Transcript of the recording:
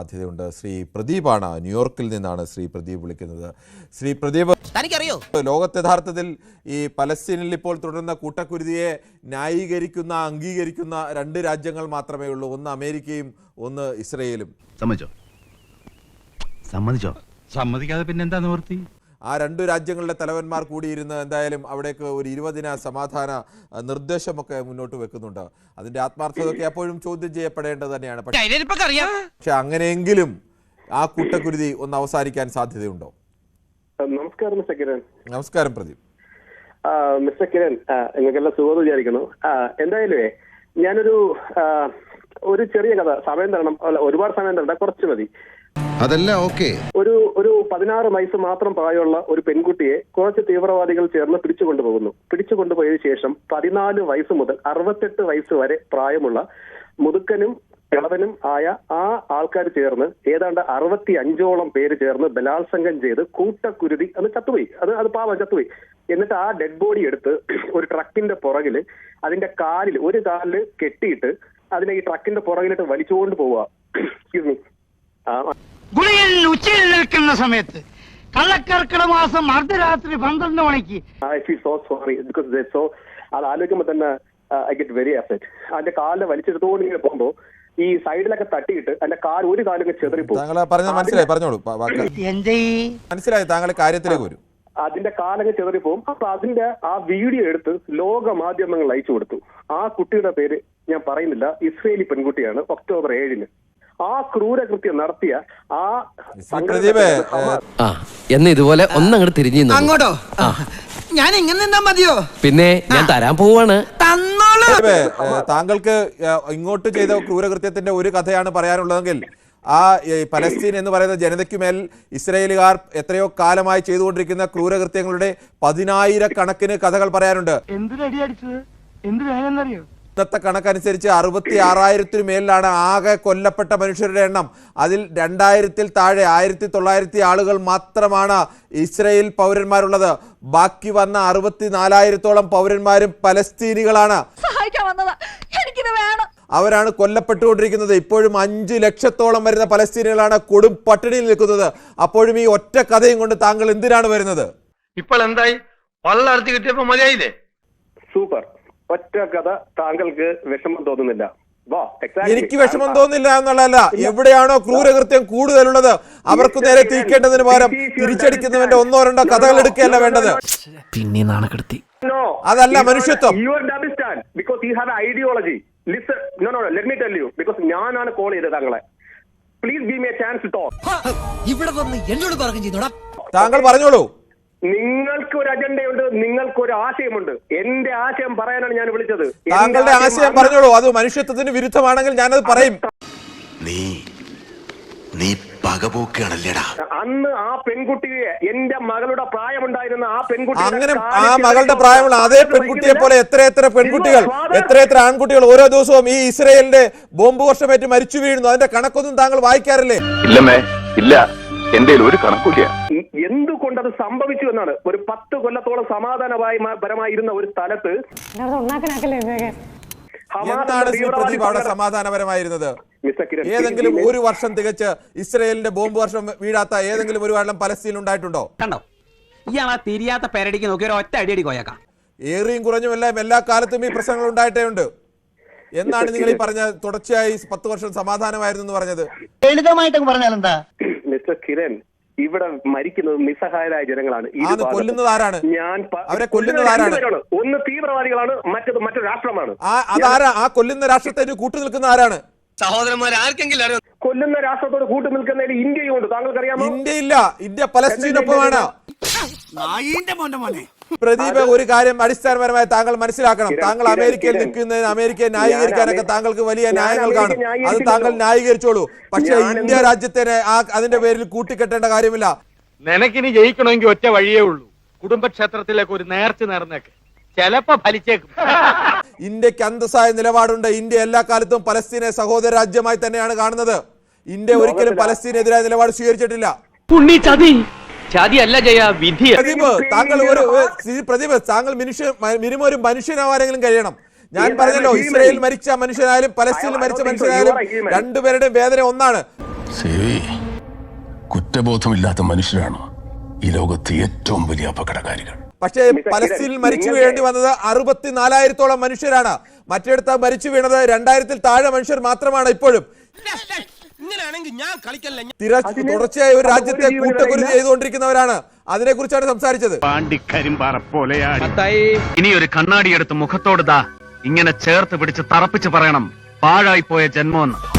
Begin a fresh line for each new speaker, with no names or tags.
സാധ്യതയുണ്ട്. ശ്രീ പ്രദീപാണ്, ന്യൂയോർക്കിൽ നിന്നാണ് ശ്രീ പ്രദീപ് വിളിക്കുന്നത്. ശ്രീ പ്രദീപ്,
തനിക്കറിയോ
ലോകത്ത് യഥാർത്ഥത്തിൽ ഈ പലസ്തീനിൽ ഇപ്പോൾ തുടരുന്ന കൂട്ടക്കുരുതിയെ ന്യായീകരിക്കുന്ന, അംഗീകരിക്കുന്ന രണ്ട് രാജ്യങ്ങൾ മാത്രമേ ഉള്ളൂ. ഒന്ന് അമേരിക്കയും ഒന്ന് ഇസ്രയേലും.
സമ്മതിക്കാതെ പിന്നെന്താ നിവർത്തി?
ആ രണ്ടു രാജ്യങ്ങളുടെ തലവന്മാർ കൂടിയിരുന്ന് എന്തായാലും അവിടേക്ക് ഒരു 20 ദിന സമാധാന നിർദ്ദേശമൊക്കെ മുന്നോട്ട് വെക്കുന്നുണ്ട്. അതിന്റെ ആത്മാർത്ഥതയൊക്കെ എപ്പോഴും ചോദ്യം ചെയ്യപ്പെടേണ്ടത് തന്നെയാണ്. പക്ഷെ അങ്ങനെയെങ്കിലും ആ കൂട്ടക്കുരുതി ഒന്ന് അവസാനിക്കാൻ സാധ്യതയുണ്ടോ?
നമസ്കാരം മിസ്റ്റർ കിരൺ.
നമസ്കാരം പ്രദീപ്.
മിസ്റ്റർ കിരൺ, നിങ്ങൾക്കെല്ലാം സുഖം വിചാരിക്കുന്നു. എന്തായാലും ഒരു ചെറിയ കഥ, സമയം തരണം, ഒരുപാട് സമയം തരണ്ട, കുറച്ച് മതി.
അതെല്ലാം ഓക്കെ.
ഒരു 16 വയസ്സ് മാത്രം പ്രായമുള്ള ഒരു പെൺകുട്ടിയെ കുറച്ച് തീവ്രവാദികൾ ചേർന്ന് പിടിച്ചുകൊണ്ടുപോയതിനു ശേഷം 14 വയസ്സ് മുതൽ 68 വയസ്സ് വരെ പ്രായമുള്ള മുതുക്കനും കിളവനും ആയ ആ ആൾക്കാർ ചേർന്ന് ഏതാണ്ട് 65ഓളം പേര് ചേർന്ന് ബലാത്സംഗം ചെയ്ത് കൂട്ടക്കുരുതി അത് ചത്തുപോയി. അത് പാവം ചത്തുപോയി. എന്നിട്ട് ആ ഡെഡ് ബോഡി എടുത്ത് ഒരു ട്രക്കിന്റെ പുറകില് അതിന്റെ ഒരു കാലില് കെട്ടിയിട്ട് അതിനെ ഈ ട്രക്കിന്റെ പുറകിലിട്ട് വലിച്ചുകൊണ്ട് പോവുക.
ഗുളികൻ ഉച്ചയിൽ നിൽക്കുന്ന സമയത്ത് കള്ളക്കർക്കിട മാസം അർദ്ധരാത്രി 12 മണിക്ക്
I feel so sorry because അത് ആലോചിക്കുമ്പോ തന്നെ ഐ ഗെറ്റ് വെരി അപ്സെറ്റ്. അതിന്റെ കാലിൽ വലിച്ചെടുത്തോണ്ട് ഇങ്ങനെ പോകുമ്പോ ഈ സൈഡിലൊക്കെ തട്ടിയിട്ട് അതിന്റെ ഒരു കാലൊക്കെ ചെതറിപ്പോകും.
മനസ്സിലായി, താങ്കളുടെ കാര്യത്തിലേക്ക് വരും.
അതിന്റെ കാലൊക്കെ ചെതറിപ്പോകും. അപ്പൊ അതിന്റെ ആ വീഡിയോ എടുത്ത് ലോക മാധ്യമങ്ങൾ അയച്ചു കൊടുത്തു. ആ കുട്ടിയുടെ പേര് ഞാൻ പറയുന്നില്ല, ഇസ്രയേലി പെൺകുട്ടിയാണ്. ഒക്ടോബർ 7-ന് ആ ക്രൂരകൃത്യം നടത്തിയ
എന്ന് ഇതുപോലെ ഒന്നങ്ങോട്ട് തിരിഞ്ഞു അങ്ങോട്ടോ ഞാൻ ഇങ്ങനെ നിന്നാ മതിയോ? പിന്നെ ഞാൻ തരാൻ പോവാണ്.
താങ്കൾക്ക് ഇങ്ങോട്ട് ചെയ്ത ക്രൂരകൃത്യത്തിന്റെ ഒരു കഥയാണ് പറയാനുള്ളതെങ്കിൽ ആ പലസ്തീൻ എന്ന് പറയുന്ന ജനതയ്ക്കുമേൽ ഇസ്രയേലുകാർ എത്രയോ കാലമായി ചെയ്തുകൊണ്ടിരിക്കുന്ന ക്രൂരകൃത്യങ്ങളുടെ 10,000 കഥകൾ പറയാനുണ്ട്. ഇന്നത്തെ കണക്കനുസരിച്ച് 66,000 മേലിലാണ് ആകെ കൊല്ലപ്പെട്ട മനുഷ്യരുടെ എണ്ണം. അതിൽ 2000-ൽ താഴെ 1900 ആളുകൾ മാത്രമാണ് ഇസ്രയേൽ പൗരന്മാരുള്ളത്. ബാക്കി വന്ന 64,000-ഓളം പൗരന്മാരും പലസ്തീനികളാണ്. അവരാണ് കൊല്ലപ്പെട്ടുകൊണ്ടിരിക്കുന്നത്. ഇപ്പോഴും 5 ലക്ഷത്തോളം വരുന്ന പലസ്തീനികളാണ് കൊടും പട്ടിണിയിൽ നിൽക്കുന്നത്. അപ്പോഴും ഈ ഒറ്റ കഥയും കൊണ്ട് താങ്കൾ എന്തിനാണ് വരുന്നത്?
ഇപ്പോൾ എന്തായി? വള്ളർത്തി കിട്ടിയപ്പോ മതിയായില്ലേ?
സൂപ്പർ. ഒറ്റ കഥ താങ്കൾക്ക് വിഷമം തോന്നുന്നില്ല?
എനിക്ക് വിഷമം തോന്നില്ല എന്നുള്ളതല്ല, എവിടെയാണോ ക്രൂരകൃത്യം കൂടുതലുള്ളത് അവർക്ക് നേരെ തിരിക്കേണ്ടതിന് പകരം തിരിച്ചടിക്കുന്നവന്റെ 1-2 കഥകൾ എടുക്കുകയല്ല വേണ്ടത്.
പിന്നെ നാണക്കെടുത്തി.
അതല്ല മനുഷ്യത്വം.
ഞാനാണ് കോൾ ചെയ്തത് താങ്കളെ. Please give me a chance to talk.
ഇവിടെ വന്ന് എന്നോട് പറഞ്ഞു.
താങ്കൾ പറഞ്ഞോളൂ.
നിങ്ങൾക്ക് ഒരു അജണ്ടയുണ്ട്, നിങ്ങൾക്ക് ഒരു ആശയമുണ്ട്. എന്റെ ആശയം പറയാനാണ് ഞാൻ വിളിച്ചത്.
താങ്കളുടെ ആശയം പറഞ്ഞോളൂ. അത് മനുഷ്യത്വത്തിന് വിരുദ്ധമാണെങ്കിൽ ഞാനത് പറയും.
നീ പകപോക്കാണല്ലേടാ.
അന്ന് ആ പെൺകുട്ടിയെ, എന്റെ മകളുടെ പ്രായമുണ്ടായിരുന്ന ആ പെൺകുട്ടി,
അങ്ങനെ ആ മകളുടെ പ്രായമുള്ള അതേ പെൺകുട്ടിയെ പോലെ എത്ര പെൺകുട്ടികൾ, എത്ര ആൺകുട്ടികൾ ഓരോ ദിവസവും ഈ ഇസ്രയേലിന്റെ ബോംബ് വർഷമേറ്റ് മരിച്ചു വീഴുന്നു. അതിന്റെ കണക്കൊന്നും താങ്കൾ വായിക്കാറില്ലേ?
ഇല്ല, എന്റെ ഒരു കണക്കൂല്ല.
എന്തുകൊണ്ടത് സംഭവിച്ചു എന്നാണ്. ഒരു 10 കൊല്ലത്തോളം സമാധാനപരമായിരുന്ന ഒരു സ്ഥലത്ത്
എന്താണ് ശ്രീ പ്രദീപ് അവിടെ സമാധാനപരമായിരുന്നത്? ഏതെങ്കിലും ഒരു വർഷം തികച്ച് ഇസ്രയേലിന്റെ ബോംബ് വർഷം വീഴാത്ത ഏതെങ്കിലും ഒരു വെള്ളം പലസ്തീനിൽ ഉണ്ടായിട്ടുണ്ടോ?
കണ്ടോ, ഇയാളാ തിരിയാത്ത പേരടിക്ക് നോക്കി ഒരു ഒറ്റ അടിയടി കോയക്കാം.
ഏറിയും കുറഞ്ഞുമെല്ലാം എല്ലാ കാലത്തും ഈ പ്രശ്നങ്ങൾ ഉണ്ടായിട്ടേ ഉണ്ട്. എന്നാണ് നിങ്ങൾ ഈ പറഞ്ഞ തുടർച്ചയായി 10 വർഷം സമാധാനമായിരുന്നു എന്ന് പറഞ്ഞത്?
ലളിതമായിട്ട് പറഞ്ഞാൽ എന്താ
മിസ്റ്റർ കിരൺ, ഇവിടെ മരിക്കുന്നത് നിസ്സഹായരായ ജനങ്ങളാണ്.
കൊല്ലുന്നത് ആരാണ്? അവരെ കൊല്ലുന്നത് ആരാണ്?
ഒന്ന് തീവ്രവാദികളാണ്, മറ്റൊരു രാഷ്ട്രമാണ്.
അതാരാ? ആ കൊല്ലുന്ന രാഷ്ട്രത്തിന് കൂട്ടു നിൽക്കുന്ന ആരാണ്?
സഹോദരന്മാർ ആർക്കെങ്കിലും
കൊല്ലുന്ന രാഷ്ട്രത്തോട് കൂട്ടു നിൽക്കുന്നതിൽ ഇന്ത്യയുണ്ട്. താങ്കൾക്കറിയാമോ?
ഇന്ത്യയില്ല, ഇന്ത്യ പലസ്തീനൊപ്പമാണ്. പ്രദീപ്, ഒരു കാര്യം അടിസ്ഥാനപരമായി താങ്കൾ മനസ്സിലാക്കണം. താങ്കൾ അമേരിക്കയിൽ നിൽക്കുന്നതിന് അമേരിക്കയെ ന്യായീകരിക്കാനൊക്കെ താങ്കൾക്ക് വലിയ ന്യായങ്ങൾ കാണും. അത് താങ്കൾ ന്യായീകരിച്ചോളൂ. പക്ഷെ ഇന്ത്യ രാജ്യത്തിനെ അതിന്റെ പേരിൽ കൂട്ടിക്കെട്ടേണ്ട കാര്യമില്ല.
നിനക്കിനി ജയിക്കണമെങ്കിൽ ഒറ്റ വഴിയേ ഉള്ളൂ. കുടുംബക്ഷേത്രത്തിലേക്ക് ഒരു നേർച്ച നേർന്നേക്ക്, ചിലപ്പോ ഫലിച്ചേക്കും.
ഇന്ത്യക്ക് അന്തസ്സായ നിലപാടുണ്ട്. ഇന്ത്യ എല്ലാ കാലത്തും പലസ്തീനെ സഹോദര രാജ്യമായി തന്നെയാണ് കാണുന്നത്. ഇന്ത്യ ഒരിക്കലും പലസ്തീനെതിരായ നിലപാട് സ്വീകരിച്ചിട്ടില്ല. താങ്കൾ മിനിമം ഒരു മനുഷ്യനാവാരെങ്കിലും കഴിയണം. ഞാൻ പറഞ്ഞല്ലോ, ഇസ്രയേൽ മരിച്ച മനുഷ്യനായാലും പലസ്തീനിൽ മരിച്ച മനുഷ്യനായാലും രണ്ടുപേരുടെയും വേദന ഒന്നാണ്.
കുറ്റബോധമില്ലാത്ത മനുഷ്യരാണ് ഈ ലോകത്തെ ഏറ്റവും വലിയ അപകടകാരികൾ.
പക്ഷേ പലസ്തീനിൽ മരിച്ചു വീഴേണ്ടി വന്നത് 64,000-ഓളം മനുഷ്യരാണ്. മറ്റിടത്ത് മരിച്ചു വീണത് 2000-ൽ താഴെ മനുഷ്യർ മാത്രമാണ്. ഇപ്പോഴും തുടർച്ചയായ ഒരു രാജ്യത്തെ കൂട്ടക്കൊല ചെയ്തുകൊണ്ടിരിക്കുന്നവരാണ്. അതിനെക്കുറിച്ചാണ് സംസാരിച്ചത്.
ഇനി ഒരു കണ്ണാടി എടുത്ത് മുഖത്തോട് ഇങ്ങനെ ചേർത്ത് പിടിച്ച് തറപ്പിച്ച് പറയണം പാഴായി പോയ ജന്മമെന്ന്.